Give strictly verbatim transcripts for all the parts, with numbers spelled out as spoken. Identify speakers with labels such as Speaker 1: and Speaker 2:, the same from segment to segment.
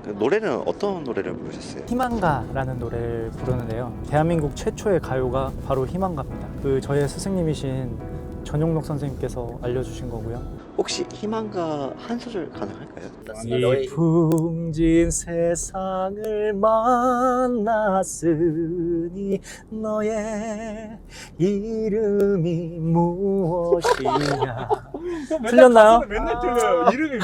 Speaker 1: 노래는 어떤 노래를 부르셨어요?
Speaker 2: 희망가라는 노래를 부르는데요. 대한민국 최초의 가요가 바로 희망가입니다. 그 저의 스승님이신 전용록 선생님께서 알려주신 거고요.
Speaker 1: 혹시 희망가 한 소절 가능할까요?
Speaker 2: 이 풍진 세상을 만났으니 너의 이름이 무엇이냐. 틀렸나요?
Speaker 3: 맨날 틀려요. 이름이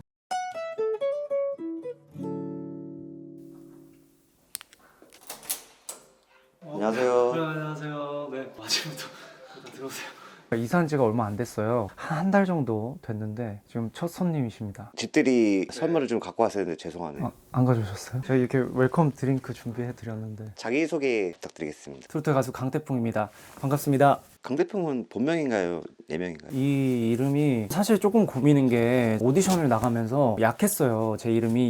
Speaker 1: 안녕하세요.
Speaker 2: 네, 안녕하세요. 네, 아침부터 들어오세요. 이사한 지가 얼마 안 됐어요. 한 달 정도 됐는데 지금 첫 손님이십니다.
Speaker 1: 집들이 선물을 좀 갖고 왔어야 했는데 죄송하네요.
Speaker 2: 아, 안 가져오셨어요? 저희 이렇게 웰컴 드링크 준비해 드렸는데.
Speaker 1: 자기소개 부탁드리겠습니다.
Speaker 2: 트로트 가수 강태풍입니다. 반갑습니다.
Speaker 1: 강대평은 본명인가요? 예명인가요?
Speaker 2: 이 이름이 사실 조금 고민인 게 오디션을 나가면서 약했어요. 제 이름이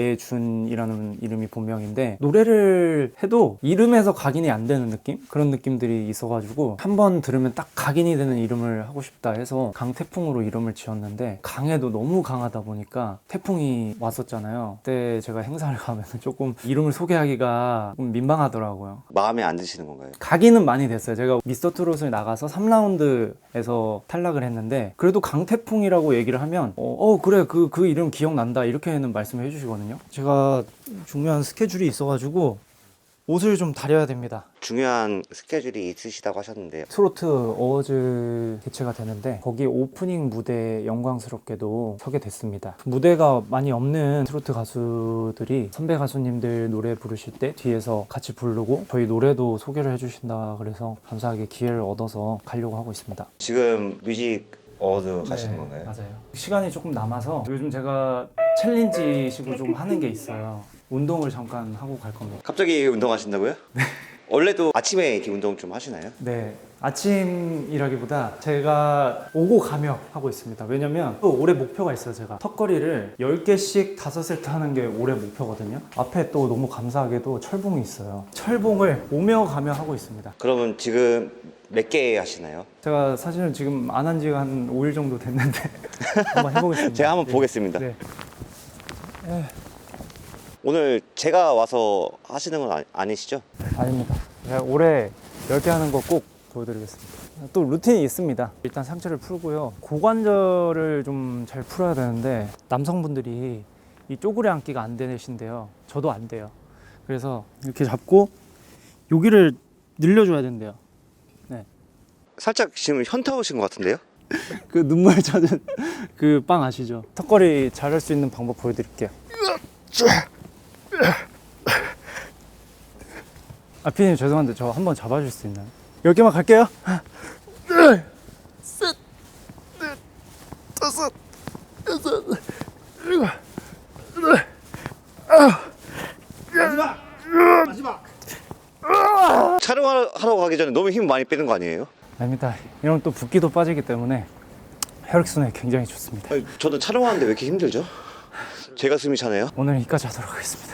Speaker 2: 이예준이라는 이름이 본명인데 노래를 해도 이름에서 각인이 안 되는 느낌? 그런 느낌들이 있어가지고 한번 들으면 딱 각인이 되는 이름을 하고 싶다 해서 강태풍으로 이름을 지었는데 강에도 너무 강하다 보니까 태풍이 왔었잖아요. 그때 제가 행사를 가면 조금 이름을 소개하기가 좀 민망하더라고요.
Speaker 1: 마음에 안 드시는 건가요?
Speaker 2: 각인은 많이 됐어요. 제가 미스터 트롯을 나가서 삼 라운드에서 탈락을 했는데 그래도 강태풍이라고 얘기를 하면 어, 어 그래 그, 그 이름 기억난다 이렇게는 말씀을 해주시거든요. 제가 중요한 스케줄이 있어가지고 옷을 좀 다려야 됩니다.
Speaker 1: 중요한 스케줄이 있으시다고 하셨는데
Speaker 2: 트로트 어워즈 개최가 되는데 거기 오프닝 무대에 영광스럽게도 서게 됐습니다. 무대가 많이 없는 트로트 가수들이 선배 가수님들 노래 부르실 때 뒤에서 같이 부르고 저희 노래도 소개를 해주신다 그래서 감사하게 기회를 얻어서 가려고 하고 있습니다.
Speaker 1: 지금 뮤직 어워드 가시는 건가요?
Speaker 2: 맞아요. 시간이 조금 남아서 요즘 제가 챌린지식으로 좀 하는 게 있어요. 운동을 잠깐 하고 갈 겁니다.
Speaker 1: 갑자기 운동하신다고요? 네. 원래도 아침에 이렇게 운동 좀 하시나요?
Speaker 2: 네, 아침이라기보다 제가 오고 가며 하고 있습니다. 왜냐면 또 올해 목표가 있어요. 제가 턱걸이를 열 개씩 다섯 세트 하는 게 올해 목표거든요. 앞에 또 너무 감사하게도 철봉이 있어요. 철봉을 오며 가며 하고 있습니다.
Speaker 1: 그러면 지금 몇 개 하시나요?
Speaker 2: 제가 사실은 지금 안 한 지가 한 오 일 정도 됐는데 한번 해보겠습니다.
Speaker 1: 제가 한번
Speaker 2: 네.
Speaker 1: 보겠습니다.
Speaker 2: 네. 네.
Speaker 1: 오늘 제가 와서 하시는 건 아니, 아니시죠?
Speaker 2: 아닙니다. 제가 올해 열 개 하는 거 꼭 보여드리겠습니다. 또 루틴이 있습니다. 일단 상체를 풀고요. 고관절을 좀 잘 풀어야 되는데 남성분들이 이 쪼그려 앉기가 안 되신데요. 저도 안 돼요. 그래서 이렇게 잡고 여기를 늘려줘야 된대요. 네.
Speaker 1: 살짝 지금 현타 오신 것 같은데요?
Speaker 2: 그 눈물 젖은 그 빵 아시죠? 턱걸이 잘할 수 있는 방법 보여드릴게요. 아, 피디님 죄송한데 저 한번 잡아줄 수 있나요? 열 개만 갈게요. 셋, 넷, 다섯, 여섯, 일곱, 여덟, 아홉. 마지막! 마지막!
Speaker 1: 촬영하러 가기 전에 너무 힘 많이 빼는 거 아니에요?
Speaker 2: 아닙니다. 이러면 또 붓기도 빠지기 때문에 혈액순환이 굉장히 좋습니다.
Speaker 1: 아니, 저는 촬영하는데 왜 이렇게 힘들죠? 제가 숨이 차네요.
Speaker 2: 오늘 여기까지 하도록 하겠습니다.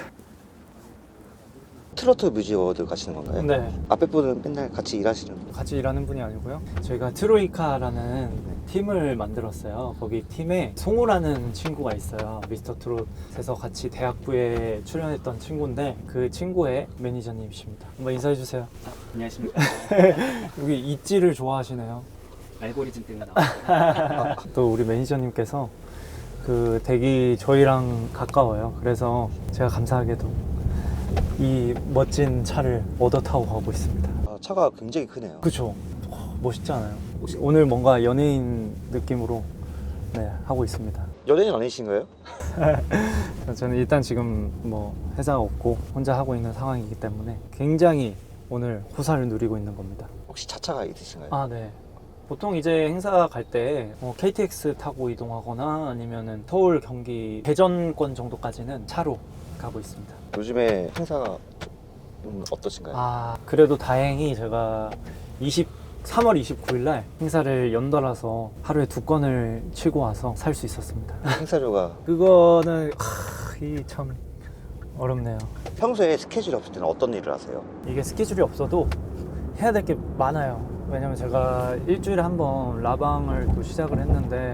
Speaker 1: 트로트 뮤직 어워드 가시는 건가요?
Speaker 2: 네.
Speaker 1: 앞에 분은 맨날 같이 일하시는 분.
Speaker 2: 같이 일하는 분이 아니고요. 저희가 트로이카라는 팀을 만들었어요. 거기 팀에 송우라는 친구가 있어요. 미스터 트롯에서 같이 대학부에 출연했던 친구인데 그 친구의 매니저님이십니다. 한번 인사해 주세요.
Speaker 4: 안녕하십니까.
Speaker 2: 여기 있지를 좋아하시네요.
Speaker 4: 알고리즘 때문에 나왔어요.
Speaker 2: 또 우리 매니저님께서 그 댁이 저희랑 가까워요. 그래서 제가 감사하게도 이 멋진 차를 얻어 타고 가고 있습니다.
Speaker 1: 아, 차가 굉장히 크네요.
Speaker 2: 그쵸? 멋있지 않아요? 혹시 오늘 뭔가 연예인 느낌으로 네, 하고 있습니다.
Speaker 1: 연예인 아니신가요?
Speaker 2: 저는 일단 지금 뭐 회사가 없고 혼자 하고 있는 상황이기 때문에 굉장히 오늘 호사를 누리고 있는 겁니다.
Speaker 1: 혹시 차차가 있으신가요?
Speaker 2: 아, 네. 보통 이제 행사 갈 때 어, 케이티엑스 타고 이동하거나 아니면은 서울, 경기, 대전권 정도까지는 차로 가고 있습니다.
Speaker 1: 요즘에 행사가 좀 어떠신가요?
Speaker 2: 아, 그래도 다행히 제가 삼월 이십구일 날 행사를 연달아서 하루에 두 건을 치고 와서 살 수 있었습니다.
Speaker 1: 행사료가
Speaker 2: 그거는 이 참 어렵네요.
Speaker 1: 평소에 스케줄이 없을 때는 어떤 일을 하세요?
Speaker 2: 이게 스케줄이 없어도 해야 될 게 많아요. 왜냐면 제가 일주일에 한 번 라방을 또 시작을 했는데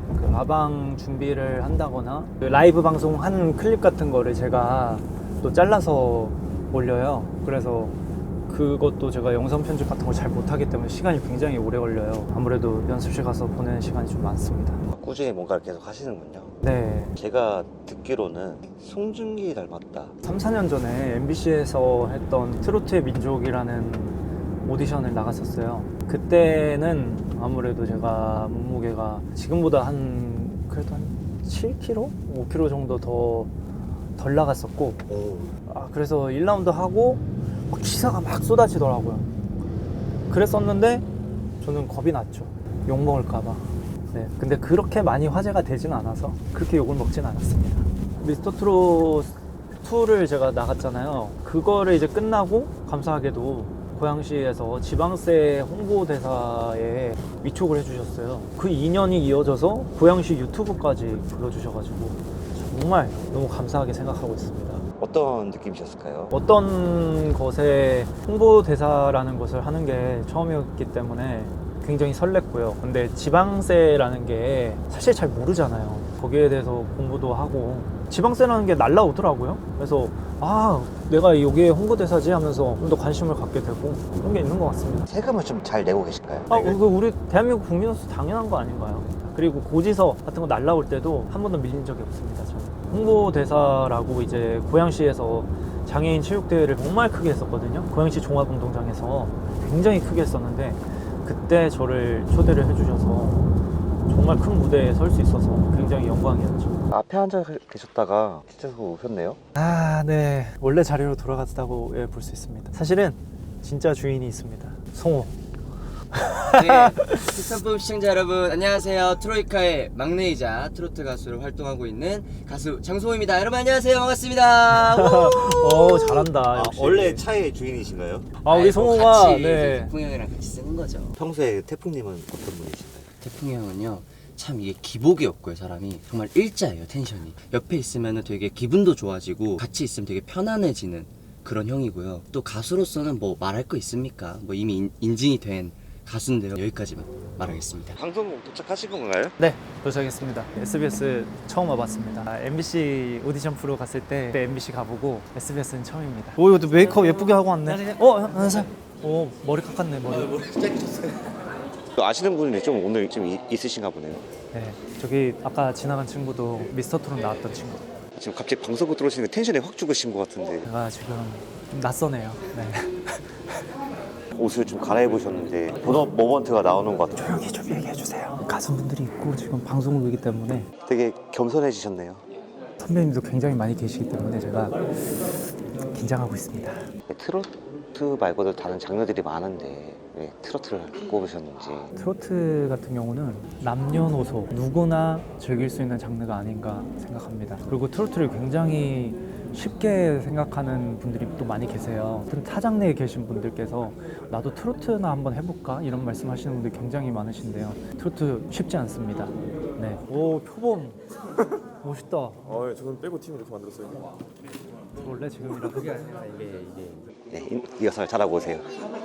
Speaker 2: 그 아방 준비를 한다거나 그 라이브 방송 한 클립 같은 거를 제가 또 잘라서 올려요. 그래서 그것도 제가 영상 편집 같은 걸 잘 못하기 때문에 시간이 굉장히 오래 걸려요. 아무래도 연습실 가서 보내는 시간이 좀 많습니다.
Speaker 1: 꾸준히 뭔가를 계속 하시는군요.
Speaker 2: 네,
Speaker 1: 제가 듣기로는 송중기 닮았다.
Speaker 2: 삼, 사 년 전에 엠비씨에서 했던 트로트의 민족이라는 오디션을 나갔었어요. 그때는 아무래도 제가 몸무게가 지금보다 한 그래도 한 칠 킬로그램? 오 킬로그램 정도 더 덜 나갔었고
Speaker 1: 오.
Speaker 2: 아, 그래서 일 라운드 하고 막 기사가 막 쏟아지더라고요. 그랬었는데 저는 겁이 났죠. 욕 먹을까봐. 네, 근데 그렇게 많이 화제가 되진 않아서 그렇게 욕을 먹진 않았습니다. 미스터 트롯 이를 제가 나갔잖아요. 그거를 이제 끝나고 감사하게도 고양시에서 지방세 홍보대사에 위촉을 해주셨어요. 그 인연이 이어져서 고양시 유튜브까지 불러주셔가지고 정말 너무 감사하게 생각하고 있습니다.
Speaker 1: 어떤 느낌이셨을까요?
Speaker 2: 어떤 것에 홍보대사라는 것을 하는 게 처음이었기 때문에 굉장히 설렜고요. 근데 지방세라는 게 사실 잘 모르잖아요. 거기에 대해서 공부도 하고 지방세라는 게 날라오더라고요. 그래서 아 내가 여기에 홍보대사지 하면서 좀 더 관심을 갖게 되고 그런 게 있는 것 같습니다.
Speaker 1: 세금을 좀 잘 내고 계실까요?
Speaker 2: 아, 그 우리 대한민국 국민으로서 당연한 거 아닌가요? 그리고 고지서 같은 거 날라올 때도 한 번도 밀린 적이 없습니다. 저는 홍보대사라고 이제 고양시에서 장애인 체육대회를 정말 크게 했었거든요. 고양시 종합운동장에서 굉장히 크게 했었는데 그때 저를 초대를 해주셔서 정말 큰 무대에 설 수 있어서 굉장히 영광이었죠.
Speaker 1: 앞에 앉아 계셨다가 뒤에서 오셨네요.
Speaker 2: 아, 네. 원래 자리로 돌아갔다고 예, 볼 수 있습니다. 사실은 진짜 주인이 있습니다. 송호.
Speaker 3: 네, 특산품 시청자 여러분 안녕하세요. 트로이카의 막내이자 트로트 가수로 활동하고 있는 가수 장소호입니다. 여러분 안녕하세요. 반갑습니다.
Speaker 2: 어, 잘한다.
Speaker 1: 아,
Speaker 2: 역시.
Speaker 1: 원래 차의 주인이신가요?
Speaker 2: 아, 우리
Speaker 3: 아이고,
Speaker 2: 송호가
Speaker 3: 같이
Speaker 2: 네.
Speaker 3: 태풍 형이랑 같이 쓰는 거죠.
Speaker 1: 평소에 태풍님은 어떤 분이신가요?
Speaker 3: 태풍 형은요 참 이게 기복이 없고요. 사람이 정말 일자예요. 텐션이 옆에 있으면 되게 기분도 좋아지고 같이 있으면 되게 편안해지는 그런 형이고요. 또 가수로서는 뭐 말할 거 있습니까? 뭐 이미 인, 인증이 된 가수인데요. 여기까지만 말하겠습니다.
Speaker 1: 방송 도착하신 건가요?
Speaker 2: 네, 도착했습니다. 에스비에스 처음 와봤습니다. 아, 엠비씨 오디션 프로 갔을 때 그때 엠비씨 가보고 에스비에스는 처음입니다. 오, 이것도 메이크업 예쁘게 하고 왔네. 어, 안녕하세요. 오, 머리 깎았네, 머리.
Speaker 1: 아시는 분이 좀 오늘 좀 이- 있으신가 보네요.
Speaker 2: 네, 저기 아까 지나간 친구도 미스터 트롯 나왔던 친구.
Speaker 1: 지금 갑자기 방송국 들어오시는 텐션이 확 죽으신 것 같은데
Speaker 2: 제가 지금 좀 낯서네요. 네.
Speaker 1: 옷을 좀 갈아입으셨는데 본업 모먼트가 나오는 것 같아요.
Speaker 2: 조용히 좀 얘기해 주세요. 가수분들이 있고 지금 방송을 보기 때문에
Speaker 1: 되게 겸손해지셨네요.
Speaker 2: 선배님도 굉장히 많이 계시기 때문에 제가 긴장하고 있습니다.
Speaker 1: 트로트 말고도 다른 장르들이 많은데 왜 트로트를 꼽으셨는지.
Speaker 2: 트로트 같은 경우는 남녀노소 누구나 즐길 수 있는 장르가 아닌가 생각합니다. 그리고 트로트를 굉장히 쉽게 생각하는 분들이 또 많이 계세요. 타 장르에 계신 분들께서 나도 트로트나 한번 해볼까? 이런 말씀 하시는 분들이 굉장히 많으신데요. 트로트 쉽지 않습니다. 네. 오, 표범. 멋있다.
Speaker 5: 아, 예, 저는 빼고 팀 이렇게 만들었어요.
Speaker 2: 원래 지금이라도.
Speaker 1: 네, 이- 리허설 잘하고 오세요.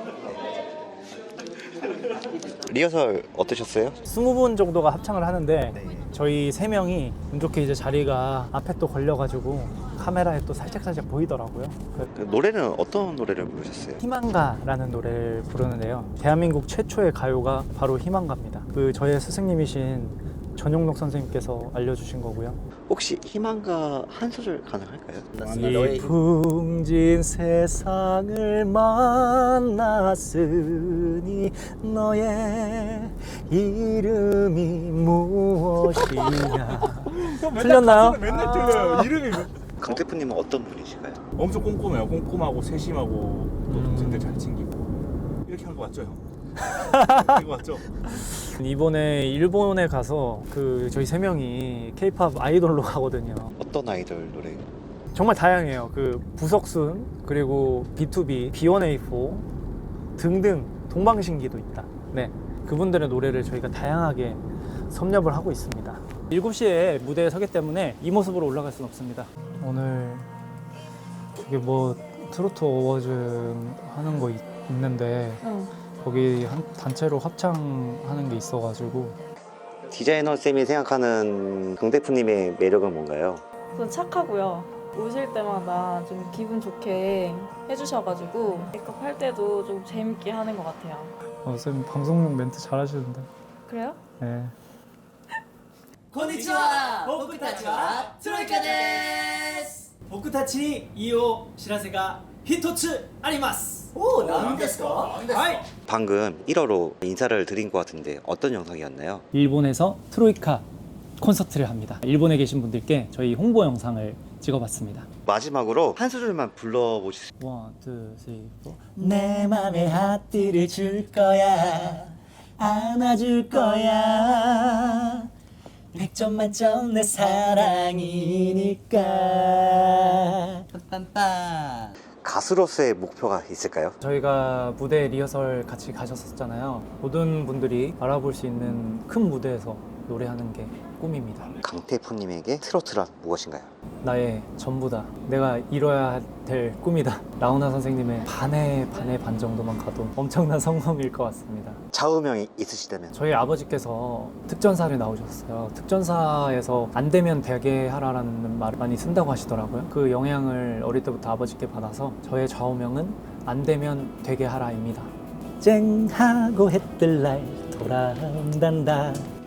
Speaker 1: 리허설 어떠셨어요?
Speaker 2: 스무 분 정도가 합창을 하는데 저희 세 명이 운 좋게 이제 자리가 앞에 또 걸려가지고 카메라에 또 살짝살짝 보이더라고요. 그
Speaker 1: 그 노래는 어떤 노래를 부르셨어요?
Speaker 2: 희망가라는 노래를 부르는데요. 대한민국 최초의 가요가 바로 희망가입니다. 그 저의 스승님이신 전용록 선생님께서 알려주신 거고요.
Speaker 1: 혹시 희망가 한 소절 가능할까요?
Speaker 2: 이 풍진 세상을 만났으니 너의 이름이 무엇이냐. 틀렸나요?
Speaker 5: 맨날 틀려요. 이름이
Speaker 1: 강태프님은 어떤 분이신가요?
Speaker 5: 엄청 꼼꼼해요. 꼼꼼하고 세심하고 또
Speaker 2: 음.
Speaker 5: 동생들 잘 챙기고 이렇게 한 거 맞죠, 형? 이거 맞죠?
Speaker 2: 이번에 일본에 가서 그 저희 세 명이 케이팝 아이돌로 가거든요.
Speaker 1: 어떤 아이돌 노래?
Speaker 2: 정말 다양해요. 그 부석순 그리고 비투비, 비원에이포 등등 동방신기도 있다. 네, 그분들의 노래를 저희가 다양하게 섭렵을 하고 있습니다. 일곱 시에 무대에 서기 때문에 이 모습으로 올라갈 수는 없습니다. 오늘 이게 뭐 트로트 어워즈 하는 거 있, 있는데 거기 한 단체로 합창하는 게 있어가지고
Speaker 1: 디자이너 쌤이 생각하는 강대표님의 매력은 뭔가요?
Speaker 6: 우선 착하고요. 오실 때마다 좀 기분 좋게 해주셔가지고 메이크업 할 때도 좀 재밌게 하는 것 같아요.
Speaker 7: 어, 쌤 방송용 멘트 잘하시는데.
Speaker 6: 그래요?
Speaker 7: 네.
Speaker 4: konnichiwa!僕たちはトロイカです!僕たちにいいお知らせが一つあります。おお、何ですか？はい。
Speaker 1: 방금 일어로 인사를 드린 것 같은데 어떤 영상이었나요?
Speaker 7: 일본에서 트로이카 콘서트를 합니다. 일본에 계신 분들께 저희 홍보 영상을 찍어봤습니다.
Speaker 1: 마지막으로 한 소절만 불러보실 수
Speaker 7: 원, 투, 쓰리, 포.
Speaker 3: 내 맘에 하트를 줄 거야, 안아줄 거야. 백 점 만점 내 사랑이니까. 빰빰빰.
Speaker 1: 가수로서의 목표가 있을까요?
Speaker 2: 저희가 무대 리허설 같이 가셨었잖아요. 모든 분들이 알아볼 수 있는 큰 무대에서 노래하는 게 꿈입니다.
Speaker 1: 강태프님에게 트로트란 무엇인가요?
Speaker 2: 나의 전부다. 내가 이뤄야 될 꿈이다. 라우나 선생님의 반의 반의 반 정도만 가도 엄청난 성공일 것 같습니다.
Speaker 1: 좌우명이 있으시다면
Speaker 2: 저희 아버지께서 특전사를 나오셨어요. 특전사에서 안 되면 되게 하라라는 말을 많이 쓴다고 하시더라고요. 그 영향을 어릴 때부터 아버지께 받아서 저의 좌우명은 안 되면 되게 하라입니다.
Speaker 7: 쨍하고 해뜰 날 돌아온단다.